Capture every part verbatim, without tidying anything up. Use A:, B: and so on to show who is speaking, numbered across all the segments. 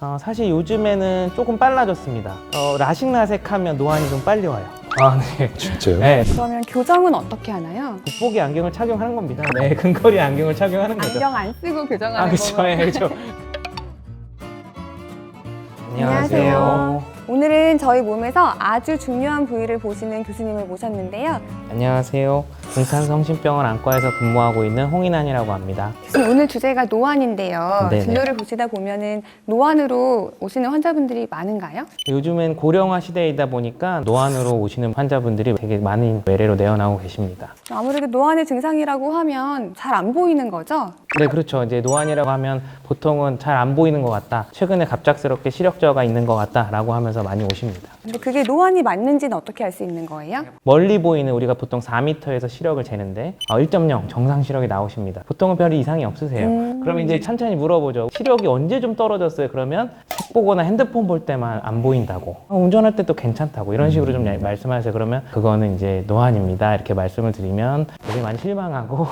A: 어, 사실 요즘에는 조금 빨라졌습니다. 어, 라식라섹 하면 노안이 좀 빨리 와요. 아, 네.
B: 진짜요?
A: 네.
C: 그러면 교정은 어떻게 하나요?
A: 돋보기 안경을 착용하는 겁니다. 네, 근거리 안경을 착용하는 거죠.
C: 안경 안 쓰고 교정하는
A: 아, 그렇죠.
C: 거고.
A: 예, 그렇죠.
C: 안녕하세요. 오늘은 저희 몸에서 아주 중요한 부위를 보시는 교수님을 모셨는데요.
A: 안녕하세요. 동탄성심병원 안과에서 근무하고 있는 홍인환이라고 합니다.
C: 교수님, 오늘 주제가 노안인데요.
A: 네네.
C: 진료를 보시다 보면은 노안으로 오시는 환자분들이 많은가요?
A: 요즘은 고령화 시대이다 보니까 노안으로 오시는 환자분들이 되게 많은 외래로 내어나오고 계십니다.
C: 아무래도 노안의 증상이라고 하면 잘 안 보이는 거죠?
A: 네, 그렇죠. 이제 노안이라고 하면 보통은 잘 안 보이는 것 같다. 최근에 갑작스럽게 시력 저하가 있는 것 같다라고 하면서 많이 오십니다.
C: 근데 그게 노안이 맞는지는 어떻게 알 수 있는 거예요?
A: 멀리 보이는 우리가 보통 사 미터에서 시력을 재는데 어, 일 점 영 정상 시력이 나오십니다. 보통은 별 이상이 없으세요.
C: 음.
A: 그러면 이제 천천히 물어보죠. 시력이 언제 좀 떨어졌어요? 그러면 책 보거나 핸드폰 볼 때만 안 보인다고. 어, 운전할 때도 괜찮다고. 이런 식으로 좀 말씀하세요. 그러면 그거는 이제 노안입니다. 이렇게 말씀을 드리면 되게 많이 실망하고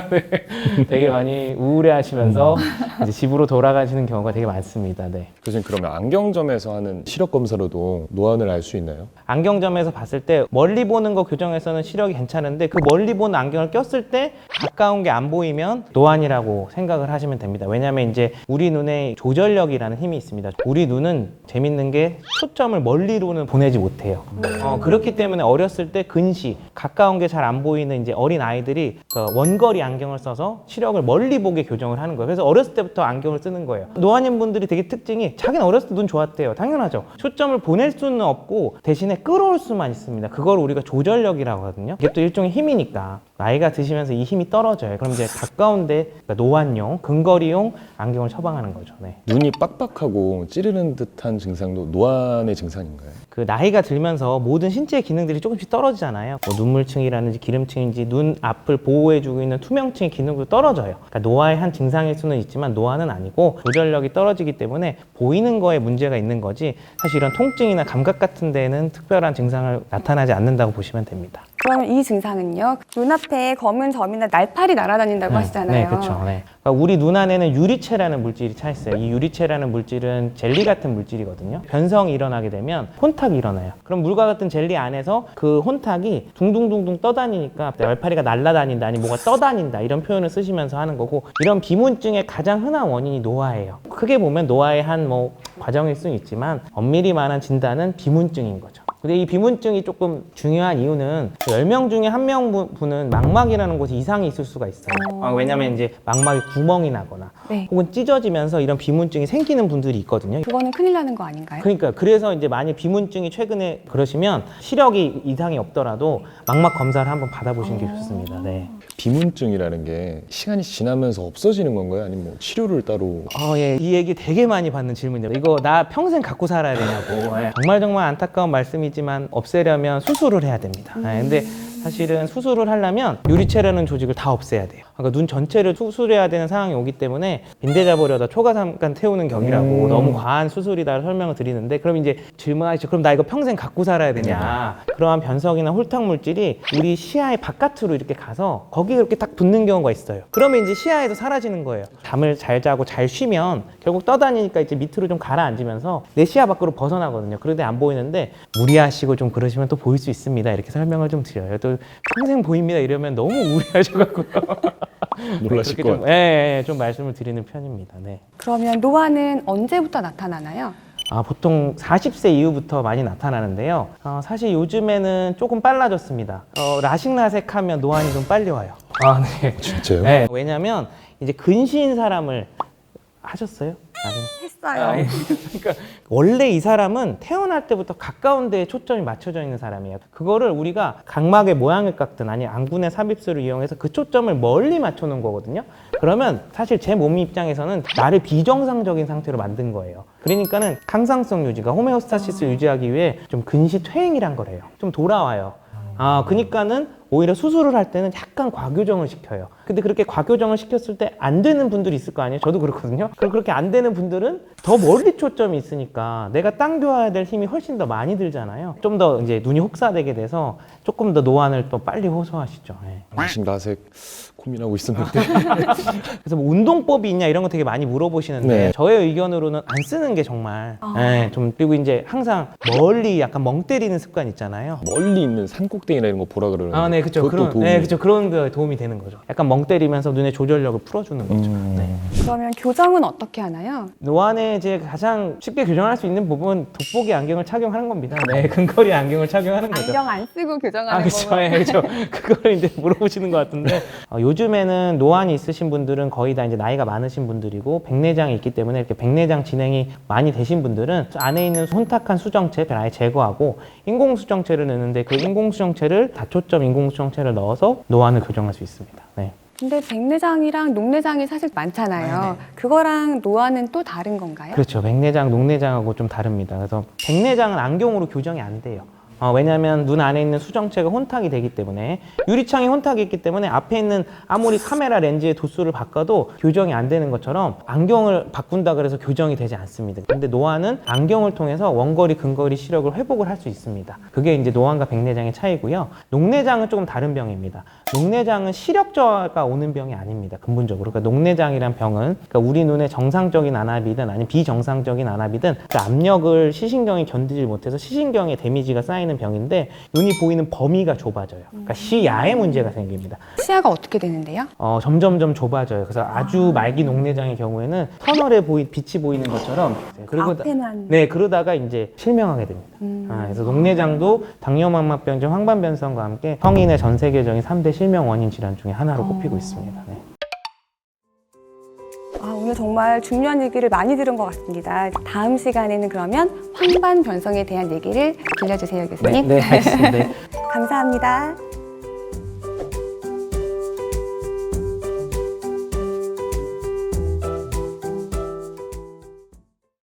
A: 네, 되게 많이 우울해하시면서 이제 집으로 돌아가시는 경우가 되게 많습니다. 네.
B: 교수님, 그러면 안경점에서 하는 시력 검사로도 노안을 알 수 있나요?
A: 안경점에서 봤을 때 멀리 보는 거 교정에서는 시력이 괜찮은데 그 멀리 보는 안경을 꼈을 때 가까운 게 안 보이면 노안이라고 생각을 하시면 됩니다. 왜냐하면 이제 우리 눈에 조절력이라는 힘이 있습니다. 우리 눈은 재밌는 게 초점을 멀리로는 보내지 못해요. 어, 그렇기 때문에 어렸을 때 근시, 가까운 게 잘 안 보이는 이제 어린 아이들이 그 원거리 안경을 써서 시력을 멀리 보게 교정을 하는 거예요. 그래서 어렸을 때부터 안경을 쓰는 거예요. 노안인 분들이 되게 특징이 자기는 어렸을 때 눈 좋았대요. 당연하죠. 초점을 보낼 수는 없고 대신에 끌어올 수만 있습니다. 그걸 우리가 조절력이라고 하거든요. 이게 또 일종의 힘이니까 나이가 드시면서 이 힘이 떨어져요. 그럼 이제 가까운데 그러니까 노안용, 근거리용 안경을 처방하는 거죠. 네.
B: 눈이 빡빡하고 찌르는 듯한 증상도 노안의 증상인가요?
A: 그 나이가 들면서 모든 신체 기능들이 조금씩 떨어지잖아요. 뭐 눈물층이라든지 기름층인지 눈 앞을 보호해주고 있는 투명층의 기능도 떨어져요. 그러니까 노화의 한 증상일 수는 있지만 노안은 아니고 조절력이 떨어지기 때문에 보이는 거에 문제가 있는 거지 사실 이런 통증이나 감각 같은 데는 특별한 증상을 나타나지 않는다고 보시면 됩니다.
C: 그러면 이 증상은요, 눈앞에 검은 점이나 날파리 날아다닌다고 하시잖아요.
A: 네, 그렇죠. 네. 그러니까 우리 눈 안에는 유리체라는 물질이 차 있어요. 이 유리체라는 물질은 젤리 같은 물질이거든요. 변성이 일어나게 되면 혼탁이 일어나요. 그럼 물과 같은 젤리 안에서 그 혼탁이 둥둥둥둥 떠다니니까 날파리가 날아다닌다, 아니 뭐가 떠다닌다 이런 표현을 쓰시면서 하는 거고, 이런 비문증의 가장 흔한 원인이 노화예요. 크게 보면 노화의 한 뭐 과정일 수는 있지만 엄밀히 말한 진단은 비문증인 거죠. 근데 이 비문증이 조금 중요한 이유는 열 명 중에 한 명분은 망막이라는 곳에 이상이 있을 수가 있어요. 아, 왜냐면 이제 망막에 구멍이 나거나
C: 네.
A: 혹은 찢어지면서 이런 비문증이 생기는 분들이 있거든요.
C: 그거는 큰일 나는 거 아닌가요?
A: 그러니까 그래서 이제 만약 비문증이 최근에 그러시면 시력이 이상이 없더라도 망막 검사를 한번 받아보시는 게 좋습니다. 네.
B: 비문증이라는 게 시간이 지나면서 없어지는 건가요? 아니면 뭐 치료를 따로?
A: 어, 예. 이 얘기 되게 많이 받는 질문이에요. 이거 나 평생 갖고 살아야 되냐고. 예. 정말 정말 안타까운 말씀이지만 없애려면 수술을 해야 됩니다. 예. 근데 사실은 수술을 하려면 유리체라는 조직을 다 없애야 돼요. 그러니까 눈 전체를 수술해야 되는 상황이 오기 때문에 빈대 잡으려다 초가 잠깐 태우는 격이라고
B: 음.
A: 너무 과한 수술이다 설명을 드리는데, 그럼 이제 질문하시죠. 그럼 나 이거 평생 갖고 살아야 되냐? 그러한 변성이나 홀탁 물질이 우리 시야의 바깥으로 이렇게 가서 거기에 이렇게 딱 붙는 경우가 있어요. 그러면 이제 시야에서 사라지는 거예요. 잠을 잘 자고 잘 쉬면 결국 떠다니니까 이제 밑으로 좀 가라앉으면서 내 시야 밖으로 벗어나거든요. 그런데 안 보이는데 무리하시고 좀 그러시면 또 보일 수 있습니다. 이렇게 설명을 좀 드려요. 또 평생 보입니다 이러면 너무 우려하셔가지고
B: 놀라실 것
A: 좀,
B: 같아요.
A: 예, 예, 좀 말씀을 드리는 편입니다. 네.
C: 그러면 노안은 언제부터 나타나나요?
A: 아, 보통 사십 세 이후부터 많이 나타나는데요. 어, 사실 요즘에는 조금 빨라졌습니다. 어, 라식라섹 하면 노안이 좀 빨리 와요. 아, 네.
B: 진짜요?
A: 네. 왜냐면 이제 근시인 사람을 하셨어요? 아니면
C: 했어요.
A: 아, 예. 그러니까 원래 이 사람은 태어날 때부터 가까운 데에 초점이 맞춰져 있는 사람이에요. 그거를 우리가 각막의 모양을 깎든 아니면 안군의 삽입술을 이용해서 그 초점을 멀리 맞춰 놓은 거거든요. 그러면 사실 제 몸 입장에서는 나를 비정상적인 상태로 만든 거예요. 그러니까는 항상성 유지가 호메오스타시스를 유지하기 위해 좀 근시 퇴행이란 거래요. 좀 돌아와요. 아, 그러니까는 오히려 수술을 할 때는 약간 과교정을 시켜요. 근데 그렇게 과교정을 시켰을 때 안 되는 분들이 있을 거 아니에요? 저도 그렇거든요. 그럼 그렇게 안 되는 분들은 더 멀리 초점이 있으니까 내가 당겨야 될 힘이 훨씬 더 많이 들잖아요. 좀 더 이제 눈이 혹사되게 돼서 조금 더 노안을 또 빨리 호소하시죠. 네.
B: 라식 라섹 고민하고 있었는데
A: 그래서 뭐 운동법이 있냐 이런 거 되게 많이 물어보시는데
B: 네.
A: 저의 의견으로는 안 쓰는 게 정말
C: 아.
A: 네, 좀 그리고 이제 항상 멀리 약간 멍 때리는 습관 있잖아요.
B: 멀리 있는 산꼭대기나 이런 거 보라 그러는데
A: 아, 네, 그렇죠.
B: 그것도
A: 그런,
B: 도움이
A: 네, 그렇죠. 그런 게 도움이 되는 거죠. 약간 멍 때리면서 눈의 조절력을 풀어주는 거죠.
B: 음.
A: 네.
C: 그러면 교정은 어떻게 하나요?
A: 노안에 이제 가장 쉽게 교정할 수 있는 부분 돋보기 안경을 착용하는 겁니다. 네, 근거리 안경을 착용하는 거죠.
C: 안경 안 쓰고 교정하는
A: 아, 그렇죠.
C: 거고.
A: 네, 그렇죠. 그걸 이제 물어보시는 것 같은데 어, 요즘에는 노안이 있으신 분들은 거의 다 이제 나이가 많으신 분들이고 백내장이 있기 때문에 이렇게 백내장 진행이 많이 되신 분들은 안에 있는 혼탁한 수정체를 아예 제거하고 인공 수정체를 넣는데 그 인공 수정체를 다초점 인공 수정체를 넣어서 노안을 교정할 수 있습니다. 네.
C: 근데 백내장이랑 녹내장이 사실 많잖아요. 그거랑 노안은 또 다른 건가요?
A: 그렇죠. 백내장, 녹내장하고 좀 다릅니다. 그래서 백내장은 안경으로 교정이 안 돼요. 어, 왜냐하면 눈 안에 있는 수정체가 혼탁이 되기 때문에 유리창에 혼탁이 있기 때문에 앞에 있는 아무리 카메라 렌즈의 도수를 바꿔도 교정이 안 되는 것처럼 안경을 바꾼다 그래서 교정이 되지 않습니다. 근데 노안은 안경을 통해서 원거리, 근거리 시력을 회복을 할 수 있습니다. 그게 이제 노안과 백내장의 차이고요. 녹내장은 조금 다른 병입니다. 녹내장은 시력 저하가 오는 병이 아닙니다. 근본적으로. 그러니까 녹내장이란 병은 그러니까 우리 눈의 정상적인 안압이든 아니면 비정상적인 안압이든 그 압력을 시신경이 견디지 못해서 시신경에 데미지가 쌓이는 병인데 눈이 보이는 범위가 좁아져요. 그러니까 시야에 문제가 생깁니다.
C: 시야가 어떻게 되는데요?
A: 어, 점점점 좁아져요. 그래서 아주 말기 녹내장의 경우에는 터널에 보이, 빛이 보이는 것처럼 그리고
C: 앞에만.
A: 네, 그러다가 이제 실명하게 됩니다.
C: 음.
A: 아, 그래서 녹내장도 당뇨망막병증, 황반변성과 함께 성인의 전 세계적인 삼 대 실명 원인 질환 중에 하나로 꼽히고 있습니다. 네.
C: 아, 오늘 정말 중요한 얘기를 많이 들은 것 같습니다. 다음 시간에는 그러면 황반 변성에 대한 얘기를 들려주세요, 교수님.
A: 네, 알겠습니다. 네.
C: 감사합니다.